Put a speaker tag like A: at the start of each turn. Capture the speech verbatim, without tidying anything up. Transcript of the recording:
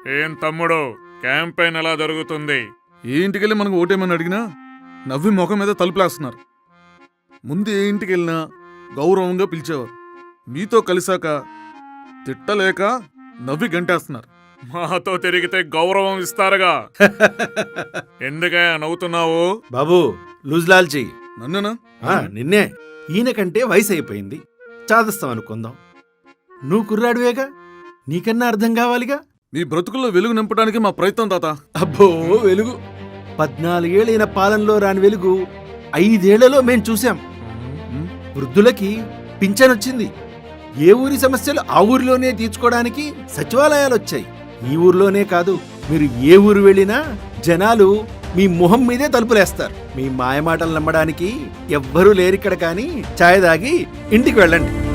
A: ఏం తమ్ముడు, క్యాంపెయిన్ ఎలా జరుగుతుంది?
B: ఏ ఇంటికెళ్ళి మనకు ఓటేమని అడిగినా నవ్వి ముఖం మీద తలుపులేస్తున్నారు. ముందు ఏ ఇంటికి వెళ్ళినా గౌరవంగా పిలిచేవారు. మీతో కలిసాక తిట్టలేక నవ్వి గంటేస్తున్నారు.
A: మాతో తిరిగితే గౌరవం ఇస్తారుగా. ఎందుకయ్యా నవ్వుతున్నావు?
C: బాబు లూజ్ లాల్చి
B: నన్నునా?
C: నిన్నే. ఈయన కంటే వయసు అయిపోయింది, చాదస్తాం అనుకుందాం. నువ్వు కుర్రాడువేగా, నీకన్నా అర్థం కావాలిగా.
B: మీ బ్రతుకుల్లో వెలుగు నింపడానికి మా ప్రయత్నం తాత.
C: అబ్బో వెలుగు! పద్నాలుగేళ్ళైన పాలనలో రాని వెలుగు ఐదేళ్లలో మేం చూశాం. వృద్ధులకి పింఛనొచ్చింది. ఏ ఊరి సమస్యలు ఆ ఊరిలోనే తీర్చుకోవడానికి సచివాలయాలు వచ్చాయి. ఈ ఊరిలోనే కాదు, మీరు ఏ ఊరు వెళ్ళినా జనాలు మీ మొహం మీదే తలుపులేస్తారు. మీ మాయమాటలు నమ్మడానికి ఎవ్వరూ లేరిక్కడ. కానీ ఛాయ్ దాగి ఇంటికి వెళ్ళండి.